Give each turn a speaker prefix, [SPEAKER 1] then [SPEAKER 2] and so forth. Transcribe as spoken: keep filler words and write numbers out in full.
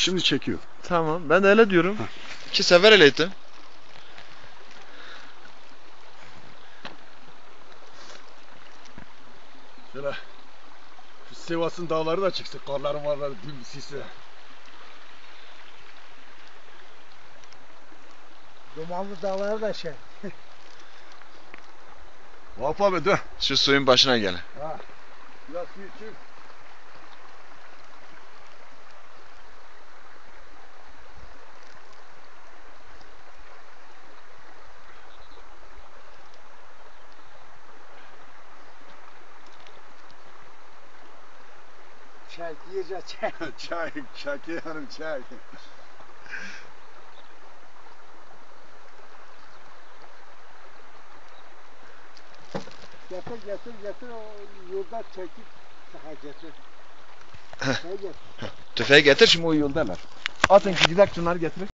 [SPEAKER 1] Şimdi çekiyor.
[SPEAKER 2] Tamam. Ben de öyle diyorum.
[SPEAKER 1] Heh.
[SPEAKER 2] İki sefer öyle ettim.
[SPEAKER 1] Şöyle şu Sivas'ın dağları da çıksın. Karların varları dün sisi.
[SPEAKER 3] Dumanlı dağları da şey.
[SPEAKER 1] Vahap abi dön.
[SPEAKER 2] Şu suyun başına gel.
[SPEAKER 1] Ha. Biraz su içeyim.
[SPEAKER 3] Çay, iyice çay.
[SPEAKER 1] Çay, Şakiye Hanım çay.
[SPEAKER 3] Getir getir getir o yolda çekip daha getir. Çay getir.
[SPEAKER 2] Tüfeği getir, şimdi o yoldalar. Atın ki gidelim şunları getirin.